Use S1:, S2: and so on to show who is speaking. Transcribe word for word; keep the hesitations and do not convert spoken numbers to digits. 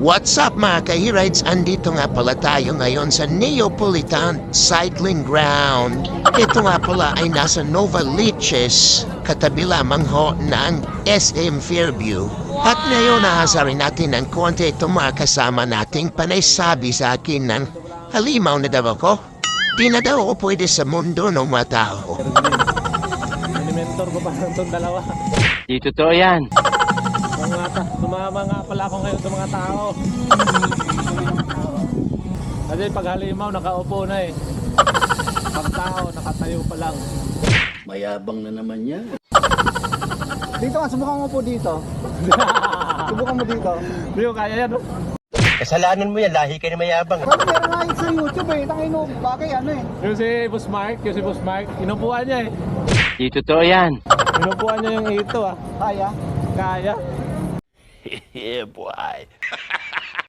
S1: What's up mga ka-e-rides? Andito nga pala tayo ngayon sa Neapolitan Cycling Ground. Ito nga pala ay nasa Novaliches, katabi lamang ho ng S M Fairview. At ngayon nahasa rin natin ng konti itong mga kasama nating panay sabi sa akin ng halimaw na daw ako. Di na daw ako pwede sa mundo ng mga tao.
S2: Mentor ko pa itong dalawa.
S3: Di totoo yan.
S2: Mga ta, sumama nga pala ako ngayon sa mga tao. Kasi pag halimaw, nakaupo na eh. Pag tao, nakatayo pa lang.
S4: Mayabang na naman yan.
S5: Dito nga, subukan mo po dito. Subukan mo dito.
S2: Hindi ko kaya yan, no?
S3: Kasalanan mo yan, lahi ka na mayabang.
S5: Parang meron nga yun sa YouTube eh. Tangino, bakit ano eh.
S2: Yung si Boss Mark, yung si Boss Mark, inupuan niya eh.
S3: Di totoo yan.
S2: Inupuan niya yung ito ah.
S5: Kaya?
S2: Kaya.
S3: Yeah, boy.